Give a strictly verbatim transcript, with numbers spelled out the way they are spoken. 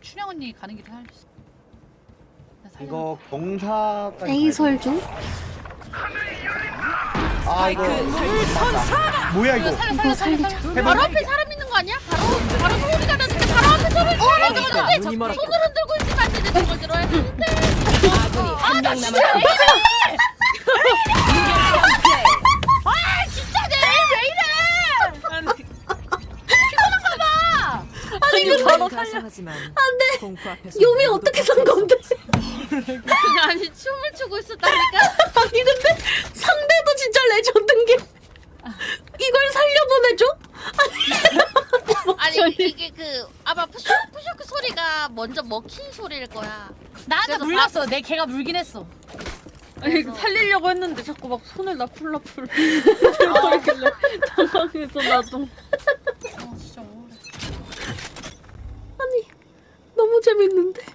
춘향 언니 가는 길에 살렸어. 이거 경사까지. 에이설 중? 아 이거 선사. 뭐야 이거? 살려 이거 살려 살려 살리자. 살려. 해봐. 바로 앞에 사람 있는 거 아니야? 바로 바로 소리가 나는데 바로 앞에 소리. 어 맞아 맞아. 근데 손을 흔들고 있으면 안 되는데 저걸 들어야 되는데. 아군이 한 명 남았습니다. 아 진짜 내일 왜 이래? 피곤한가 봐. 아니 이거 바로 살려하지만 안돼. 공포 앞에서 요미 어떻게 산 건데? 아니 춤을 추고 있었다니까. 아니 근데 상대도 진짜 레전드인 게 이걸 살려보내줘? 아니 이게 그 아마 푸쇼 푸쇼크 소리가 먼저 먹힌 소리일 거야. 나한테 그래서 물렸어. 내 개가 물긴 했어. 아니 살리려고 했는데 자꾸 막 손을 나풀나풀 들어있길래 당황해서 나도. 어 진짜 억울해. 아니 너무 재밌는데?